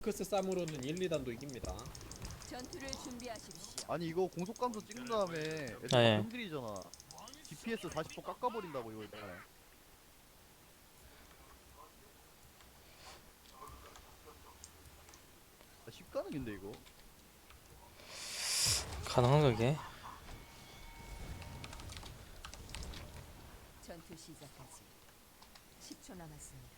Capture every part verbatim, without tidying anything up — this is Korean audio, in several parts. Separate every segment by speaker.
Speaker 1: 크스 쌈으로는 일, 이 단도 이깁니다.
Speaker 2: 전투를 준비하십시오.
Speaker 3: 아니 이거 공속 감소 찍은 다음에 애들
Speaker 4: 아, 예.
Speaker 3: 흔들리잖아. 디피에스 사십 퍼센트 깎아버린다고 이거 이번에. 아, 십가능인데 이거.
Speaker 4: 가능한 그게?
Speaker 2: 전투 시작까지 십 초 남았습니다.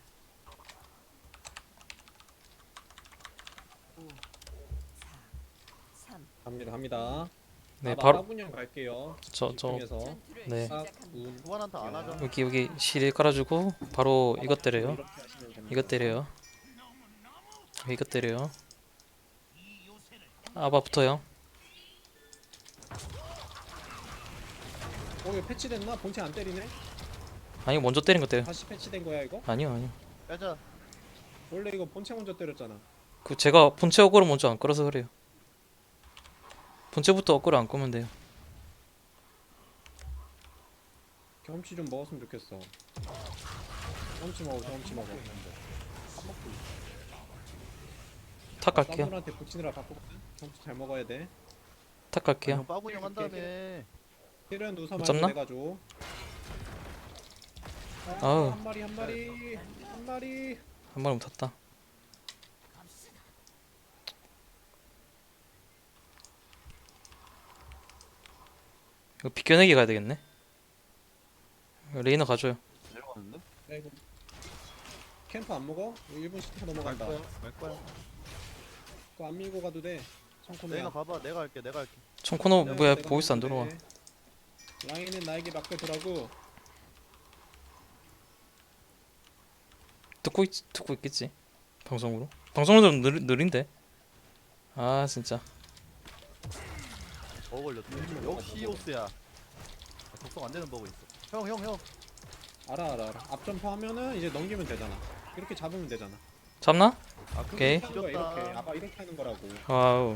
Speaker 2: 오, 사, 삼.
Speaker 1: 갑니다, 갑니다.
Speaker 4: 네,
Speaker 1: 아,
Speaker 4: 바로
Speaker 1: 마라군형 갈게요.
Speaker 4: 저 저
Speaker 1: 이쪽에서
Speaker 2: 전투를
Speaker 4: 네.
Speaker 1: 싹,
Speaker 2: 시작합니다.
Speaker 1: 운,
Speaker 3: 소환한타 안 하잖아.
Speaker 4: 여기 여기 실 깔아주고 바로 이것 때려요.
Speaker 1: 이렇게 하시면 됩니다.
Speaker 4: 이것 때려요. 이것 때려요. 아바 붙어요.
Speaker 1: 어, 이거 패치됐나? 본체 안 때리네?
Speaker 4: 아니 먼저 때린 것 때려.
Speaker 1: 다시 패치된 거야 이거?
Speaker 4: 아니요 아니요.
Speaker 3: 빼자.
Speaker 1: 원래 이거 본체 먼저 때렸잖아.
Speaker 4: 그 제가 본체 어그로 먼저 안 끌어서 그래요. 본체부터 어그로 안 끄면 돼요.
Speaker 1: 경험치 좀 먹었으면 좋겠어. 경험치 먹어, 경험치 먹어.
Speaker 4: 탁 갈게요.
Speaker 1: 쌈들한테 붙이느라 바쁘거든? 경험치 잘 먹어야 돼.
Speaker 4: 탁
Speaker 3: 형
Speaker 4: 갈게요.
Speaker 3: 빠구형 한 다음에
Speaker 1: 필요한 누사
Speaker 4: 못
Speaker 1: 많이
Speaker 4: 잡나?
Speaker 1: 내가줘. 아,
Speaker 4: 아우.
Speaker 1: 한 마리, 한 마리, 한 마리.
Speaker 4: 한 마리 못탔다. 이거 비껴내기 가야 되겠네. 레이너 가줘요.
Speaker 3: 내려가는데?
Speaker 1: 야, 이거 캠프 안 먹어? 이거 일 분 십 초
Speaker 3: 갈
Speaker 1: 넘어간다.
Speaker 3: 거야. 갈 거야.
Speaker 1: 그거 안 밀고 가도 돼. 청코노야.
Speaker 3: 내가 가봐. 내가 할게. 내가 할게.
Speaker 4: 청코노
Speaker 1: 네,
Speaker 4: 뭐야
Speaker 1: 내가
Speaker 4: 보이스 안
Speaker 1: 먹어도
Speaker 4: 들어와.
Speaker 1: 돼. 라인은 나에게 맡겨두라고.
Speaker 4: 듣고 있 듣고 있겠지. 방송으로. 방송으로 느리, 느린데. 아 진짜.
Speaker 3: 버 걸렸어. 역시 오스야. 아, 작성 안 되는 버그 있어. 형, 형, 형.
Speaker 1: 알아 알아 알아. 앞점프 하면은 이제 넘기면 되잖아. 이렇게 잡으면 되잖아.
Speaker 4: 잡나?
Speaker 3: 아,
Speaker 4: 오케이.
Speaker 3: 그거
Speaker 1: 하는 거야, 이렇게.
Speaker 3: 지렸다.
Speaker 1: 아까 이렇게 하는 거라고.
Speaker 4: 와우.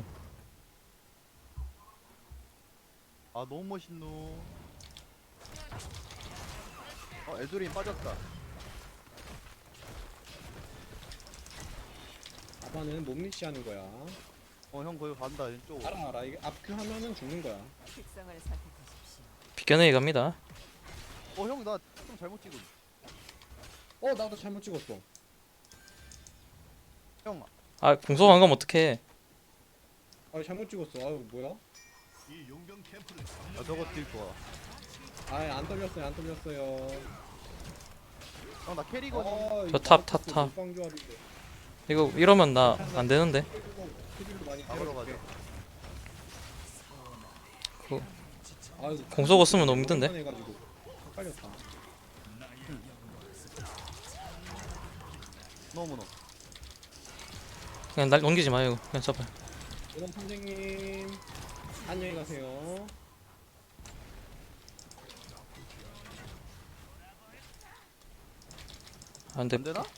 Speaker 3: 아, 너무 멋있노. 어, 에드린 빠졌다.
Speaker 1: 아빠는 몸리시 하는 거야.
Speaker 3: 어, 형 거기 간다. 왼쪽.
Speaker 1: 알아 알아. 이게 앞큐 하면은 죽는 거야.
Speaker 2: 특성을 선택하십시오.
Speaker 4: 비껴내기 갑니다.
Speaker 3: 어, 형 나 좀 잘못 찍은.
Speaker 1: 어 나도 잘못 찍었어.
Speaker 3: 형,
Speaker 4: 아 공소가 안 가면 어떡해.
Speaker 1: 아 잘못 찍었어. 아유 뭐야?
Speaker 3: 아 저거 뛸 거야.
Speaker 1: 아예 안 떨렸어요 안 떨렸어요.
Speaker 3: 형 나 캐리거든.
Speaker 1: 아,
Speaker 4: 저 탑, 탑, 탑.
Speaker 1: 빵조합인데.
Speaker 4: 이거 이러면 나 안 되는데.
Speaker 1: 피디도 많이
Speaker 3: 잡으러 가자.
Speaker 1: 때려줄게.
Speaker 4: 그
Speaker 1: 아유,
Speaker 4: 공소가 쓰면 너무 힘든데?
Speaker 1: 해가지고 헷갈렸다.
Speaker 3: 너무 너.
Speaker 4: 그냥 날 넘기지 마요. 이거. 그냥 잡아요.
Speaker 1: 그럼 선생님 안녕히 가세요.
Speaker 4: 안 돼.
Speaker 3: 안 되나?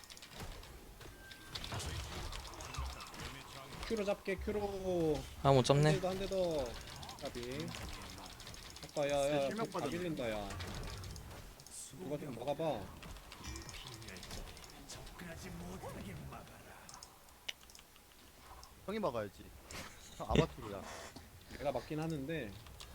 Speaker 1: 큐로 잡게 큐로.
Speaker 4: 아 못 잡네.
Speaker 1: 한 대 더. 까비. 아까 야야
Speaker 3: 실명
Speaker 1: 다
Speaker 3: 받았네.
Speaker 1: 밀린다 야. 누가 좀 막아봐.
Speaker 3: 형이 막아야지. 형 아바투르야.
Speaker 1: 내가 맞긴 하는데.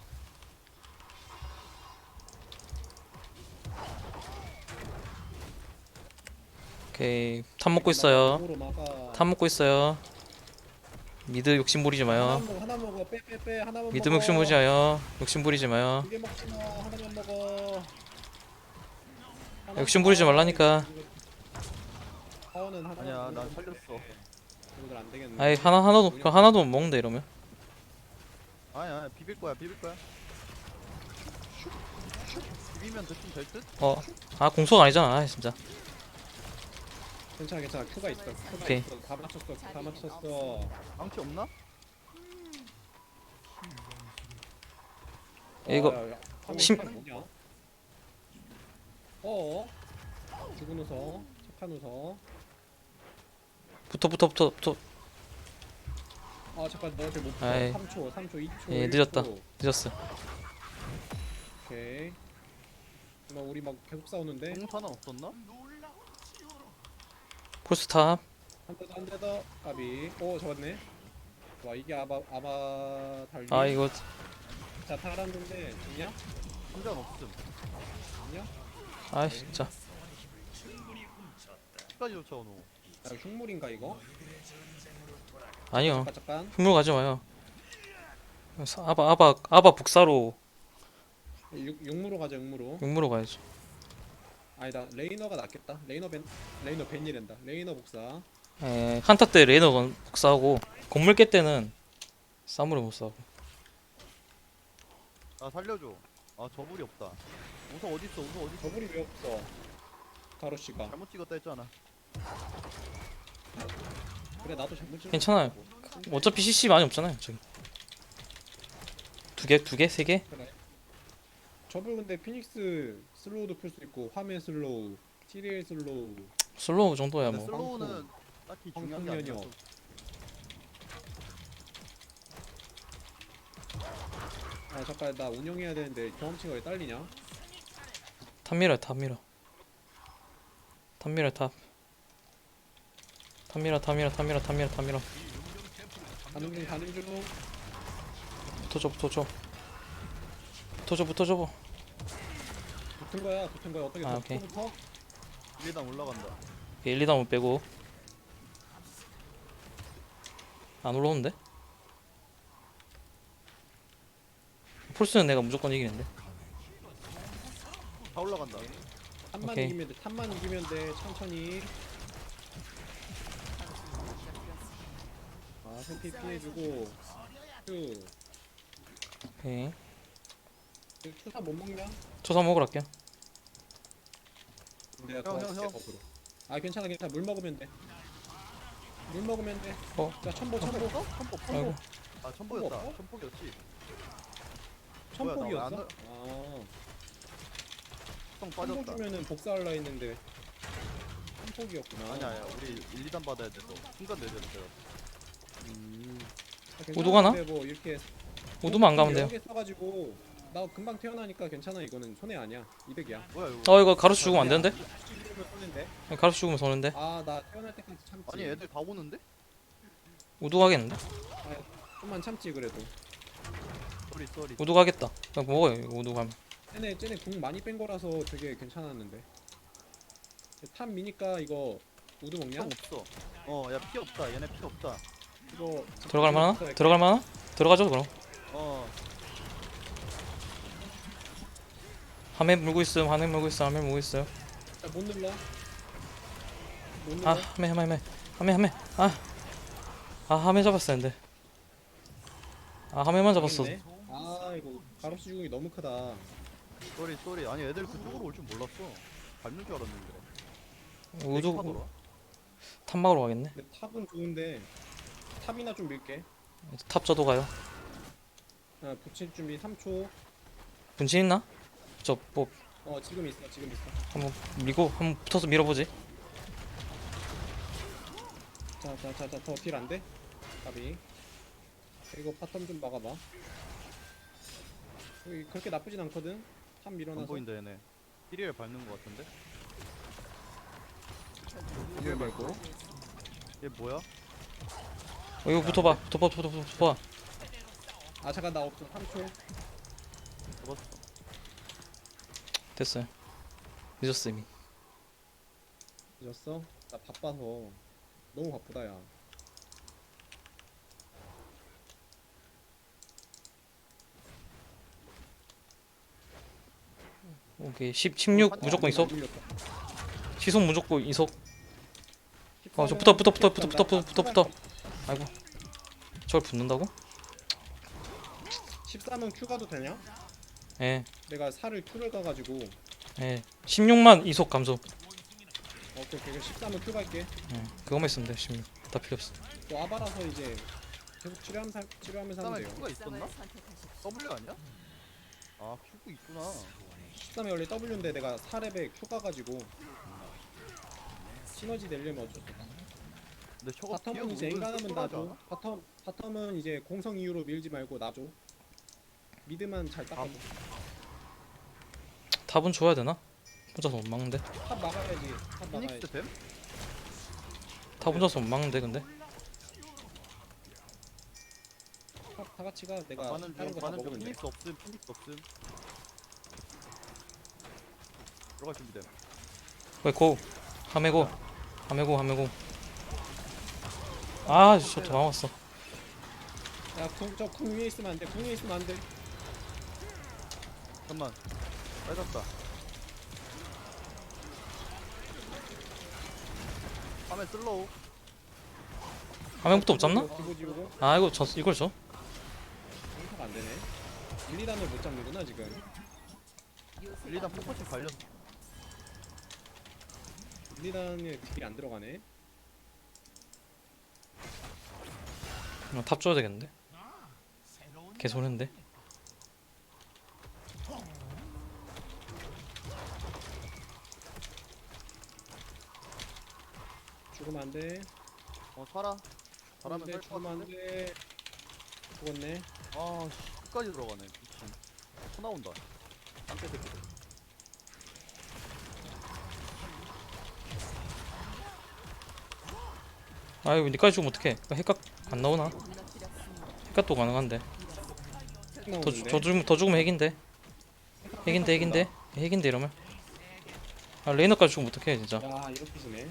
Speaker 4: 오케이. 탑 먹고 있어요.
Speaker 1: 몸으로 막아.
Speaker 4: 탑 먹고 있어요. 미드 욕심 부리지
Speaker 1: 하나
Speaker 4: 마요.
Speaker 1: 먹어 하나 먹어 빼빼빼 하나만
Speaker 4: 미드
Speaker 1: 먹어.
Speaker 4: 욕심 부리지 마요. 욕심 부리지 마요.
Speaker 1: 두개 먹지 마 하나만 먹어. 하나
Speaker 4: 욕심
Speaker 1: 먹어.
Speaker 4: 부리지 말라니까.
Speaker 1: 파워는 하나.
Speaker 3: 아니야, 난 살렸어.
Speaker 1: 이들 안 되겠네.
Speaker 4: 아이 하나 하나도 그 하나도 못 먹는데 이러면.
Speaker 3: 아니야, 아니, 비빌 거야, 비빌 거야. 비비면 대충 될 듯?
Speaker 4: 어. 아 공소가 아니잖아. 아 진짜.
Speaker 1: 괜찮아 괜찮아 큐가 있어 큐가
Speaker 4: 오케이.
Speaker 1: 있어 다 맞췄어 다 맞췄어.
Speaker 3: 망치 없나?
Speaker 4: 이거
Speaker 1: 야, 야, 야. 화면
Speaker 4: 심-
Speaker 1: 화면 뭐냐? 어어? 죽은 우서 착한 우서.
Speaker 4: 붙어 붙어 붙어 붙어.
Speaker 1: 아 잠깐 너한테 못 붙어.
Speaker 4: 아이.
Speaker 1: 삼 초 삼 초 이 초
Speaker 4: 예,
Speaker 1: 일
Speaker 4: 늦었다.
Speaker 1: 초.
Speaker 4: 늦었어.
Speaker 1: 오케이. 나 우리 막 계속 싸우는데.
Speaker 3: 공탄은 없었나?
Speaker 4: 폴스탑.
Speaker 1: 한 대 더, 한 대 더. 까비. 오, 잡았네. 와, 이게 아바, 아바 달리.
Speaker 4: 아 이거
Speaker 1: 자, 타라는데, 있냐?
Speaker 3: 상관 없음.
Speaker 1: 있냐?
Speaker 4: 아 진짜
Speaker 3: 끝까지 쫓아오노.
Speaker 1: 야, 흉물인가, 이거?
Speaker 4: 아니요
Speaker 1: 잠깐, 잠깐.
Speaker 4: 흉물 가지 마요. 아바 아바 아바 북사로
Speaker 1: 육, 육무로 가자, 육무로.
Speaker 4: 육무로 가야죠.
Speaker 1: 아니다, 레이너가 낫겠다. 레이너 벤, 레이너 벤이랜다. 레이너 복사.
Speaker 4: 에 한타 때 레이너 북사하고 건물 깰 때는 사무를 못 사고.
Speaker 3: 아 살려줘. 아 저불이 없다. 우석 어디 있어? 우석 어디 있어?
Speaker 1: 더블이 왜 없어? 가로씨가.
Speaker 3: 잘못 찍었다 했잖아.
Speaker 1: 그래, 나도 잘못 찍은
Speaker 4: 괜찮아요. 어차피 씨씨 많이 없잖아요 저기. 두 개, 두 개, 세 개?
Speaker 1: 그래. 저블 근데 피닉스 슬로우도 풀 수 있고 화면 슬로우, 티리엘 슬로우.
Speaker 4: 슬로우 정도야
Speaker 3: 근데
Speaker 4: 뭐.
Speaker 3: 슬로우는 딱히 중요한 게
Speaker 1: 황풍년이요.
Speaker 3: 아니라서.
Speaker 1: 아 잠깐 나 운영해야 되는데 경험치가 왜 딸리냐?
Speaker 4: 탑미러, 탑미러. 탑미러, 탑. 탑미러, 탑미러, 탑미러, 탑미러, 탑미러.
Speaker 1: 가는 중 가는 중.
Speaker 4: 붙어줘, 붙어줘. 붙어줘, 붙어줘.
Speaker 1: 붙은 거야 붙은 거야 어떻게
Speaker 4: 아,
Speaker 1: 더
Speaker 4: 오케이.
Speaker 1: 붙어?
Speaker 3: 일단 올라간다.
Speaker 4: 일, 이 다운 빼고. 안 올라오는데? 폴스는 내가 무조건 이기는데.
Speaker 3: 다 올라간다.
Speaker 1: 탑만
Speaker 4: 오케이.
Speaker 1: 이기면 돼 탑만 이기면 돼 천천히. 아 회피 피해주고. 큐.
Speaker 4: 오케이.
Speaker 1: 투사 못 먹냐?
Speaker 4: 초사 먹으러 갈게요.
Speaker 1: 내가
Speaker 3: 형,
Speaker 1: 더
Speaker 3: 형,
Speaker 1: 할게,
Speaker 3: 형.
Speaker 1: 거꾸로. 아 괜찮아 괜찮아 물 먹으면 돼. 물 먹으면 돼.
Speaker 4: 어?
Speaker 1: 자 천보 천보
Speaker 3: 천폭
Speaker 4: 아이고.
Speaker 3: 천폭. 아 천폭이었다.
Speaker 1: 천폭?
Speaker 3: 천폭이었지.
Speaker 1: 천폭이었어?
Speaker 3: 뭐야,
Speaker 1: 아
Speaker 3: 성
Speaker 1: 천폭
Speaker 3: 빠졌다.
Speaker 1: 주면은 복사할라 했는데 천폭이었구나.
Speaker 3: 아니야 아니야. 우리 일, 이 단 받아야 돼서 순간 내줘야 돼.
Speaker 1: 음.
Speaker 4: 우두 가나?
Speaker 1: 괜찮은데 뭐 이렇게
Speaker 4: 우두만 안 가면 돼요.
Speaker 1: 여러 개 써가지고 나 금방 태어나니까 괜찮아. 이거는 손해 아니야. 이백이야.
Speaker 3: 뭐야 이거?
Speaker 4: 어 이거 가로수 죽으면 안 되는데?
Speaker 1: 이러면 손해인데.
Speaker 4: 가로수 죽으면 손인데?
Speaker 1: 아 나 태어날 때까지 참지.
Speaker 3: 아니 애들 다 오는데?
Speaker 4: 우두 가겠는데?
Speaker 1: 좀만 참지 그래도.
Speaker 3: 쏘리 쏘리.
Speaker 4: 우두 가겠다. 그냥 먹어요 이거 우두 가면.
Speaker 1: 쟤네 쟤네 궁 많이 뺀 거라서 되게 괜찮았는데. 탑 미니까 이거 우드 먹냐?
Speaker 3: 형 없어. 어야 피 없다. 얘네 피 없다.
Speaker 1: 이거
Speaker 4: 들어갈 만하나?
Speaker 1: 이거
Speaker 4: 들어갈 만하나? 들어가죠 그럼.
Speaker 3: 어
Speaker 4: 화면 물고 있음, 화면 물고 있어, 화면 물고 있어요.
Speaker 1: 자, 못 눌러. 못 눌러.
Speaker 4: 아, 화면, 화면, 화면, 화면, 화면. 아, 아, 화면 잡았어야 했는데. 아, 화면만 잡았어.
Speaker 1: 있네. 아 이거 가로수 주공이 너무 크다.
Speaker 3: 쏘리 쏘리. 아니 애들 그쪽으로 올 줄 몰랐어. 밟는 줄 알았는데.
Speaker 4: 우두
Speaker 3: 하더라.
Speaker 4: 탑 막으러 가겠네.
Speaker 1: 근데 탑은 좋은데 탑이나 좀 밀게.
Speaker 4: 탑 저도 가요.
Speaker 1: 아, 붙일 준비 삼 초.
Speaker 4: 분신 있나? 저 뭐
Speaker 1: 어 지금 있어 지금 있어.
Speaker 4: 한번 밀고 한번 붙어서 밀어보지.
Speaker 1: 자자자자 더 딜 안 돼? 가비. 이거 바텀 좀 막아봐. 여기 그렇게 나쁘진 않거든. 탑
Speaker 3: 안
Speaker 1: 밀어놔서.
Speaker 3: 보인다 얘네. 힐을 밟는 거 같은데?
Speaker 1: 딜 말고.
Speaker 3: 얘 뭐야?
Speaker 4: 어, 이거 붙어봐, 붙어봐, 붙어봐, 붙어봐.
Speaker 1: 아 잠깐 나 없어 삼 초.
Speaker 3: 잡았어.
Speaker 4: 됐어요. 늦었어 이미.
Speaker 1: 늦었어? 나 바빠서 너무 바쁘다 야.
Speaker 4: 오케이, 십, 십육 무조건 이속. 시속 무조건 이속. 어, 저 붙어, 붙어, 붙어, 붙어, 붙어, 붙어, 붙어, 붙어. 아이고, 저걸 붙는다고?
Speaker 1: 십삼은 Q 가도 되냐?
Speaker 4: 예,
Speaker 1: 내가 살을 Q를 가가지고.
Speaker 4: 예. 십육만 이속 감소.
Speaker 1: 오케이 오케이 십삼은 Q 갈게.
Speaker 4: 예, 그거만 있으면 돼. 십육. 다 필요 없어.
Speaker 1: 또 아바라서 이제 계속 치료하면서 치료하면서 하면
Speaker 3: 그다음에
Speaker 1: 돼요.
Speaker 3: Q가 있었나?
Speaker 2: 선택하십시오.
Speaker 3: W 아니야? 아 Q가 있구나.
Speaker 1: 십삼이 원래 W인데 내가 사 렙에 Q 가가지고 시너지 내려면 어쩔 수 없어.
Speaker 3: 근데 저거
Speaker 1: 바텀은 이제 인간하면 놔줘. 바텀 바텀은 이제 공성 이후로 밀지 말고 놔줘. 미드만 잘 닦아줘.
Speaker 4: 탑은 줘야 되나? 혼자서 못 막는데.
Speaker 1: 탑 막아야지. 탑 막아야지.
Speaker 3: 피닉스 됨?
Speaker 4: 다 혼자서 못 막는데 근데.
Speaker 1: 다, 다 같이 가. 내가
Speaker 3: 가는
Speaker 1: 다른
Speaker 3: 중
Speaker 1: 거다
Speaker 3: 가는 중
Speaker 1: 먹으면 돼.
Speaker 3: 피닉스 없음 피닉스 없음 들어갈 준비됨
Speaker 4: 왜 고. 하메고. 하메고 하메고. 아, 저도 막았어.
Speaker 1: 야, 궁, 저궁 위에 있으면 안 돼. 궁 위에 있으면 안 돼.
Speaker 3: 잠깐만 빨갛다 화면 슬로우
Speaker 4: 하메고도 못 잡나?
Speaker 1: 기보 지우고.
Speaker 4: 아, 이거 저 이걸 줘.
Speaker 1: 공사가 안 되네. 일, 이 단을 못 잡는구나 지금.
Speaker 2: 요새가
Speaker 3: 일, 이 단 포커싱 갈렸어
Speaker 1: 일, 이 단에 딜이 안 들어가네.
Speaker 4: 어, 탑 줘야 되겠는데. 개소리인데.
Speaker 1: 죽으면 안 돼.
Speaker 3: 어 살아 잘하면
Speaker 1: 안 돼.
Speaker 3: 살것
Speaker 1: 죽으면 안
Speaker 3: 같은데
Speaker 1: 돼. 죽었네.
Speaker 3: 아씨 끝까지 들어가네 미친 터 나온다 딴데 새끼들
Speaker 4: 아이고, 니까지 죽으면 어떡해. 핵각 안 나오나?
Speaker 2: 무너뜨렸습니다.
Speaker 4: 핵각도 가능한데. 더, 주-
Speaker 1: 나오는데.
Speaker 4: 더 죽으면 더 죽으면 핵인데. 핵인데 핵인데. 핵인데 이러면. 아, 레이너까지 죽으면 어떡해 진짜.
Speaker 1: 야, 이렇게 지네.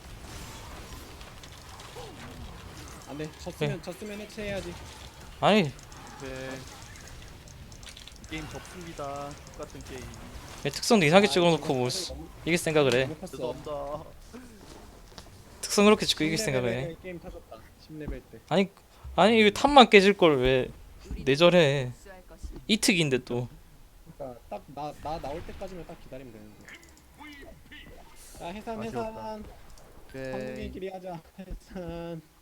Speaker 1: 안 돼. 졌으면 졌으면 해체해야지.
Speaker 4: 아니,
Speaker 3: 오케이 게임 접습니다 똑같은 게임
Speaker 4: 왜 특성도 이상하게
Speaker 1: 아,
Speaker 4: 찍어놓고 뭐
Speaker 1: 이거 너무-
Speaker 4: 이길 생각을 해.
Speaker 1: 너무 컸어.
Speaker 3: 죄송합니다
Speaker 4: 특성 그렇게 찍고 이길
Speaker 1: 십
Speaker 4: 생각을 해.
Speaker 1: 레벨에 게임 터졌다. 십 레벨 때.
Speaker 4: 아니, 아니 왜 탑만 깨질 걸 왜 내절해.
Speaker 2: 복수할 것입니다.
Speaker 4: 이특인데 또.
Speaker 1: 그러니까 딱 나 나 나올 때까지만 딱 기다리면 되는데. 야, 해산
Speaker 3: 아쉬웠다.
Speaker 1: 해산.
Speaker 3: 오케이
Speaker 1: 한국인끼리 하자. 해산.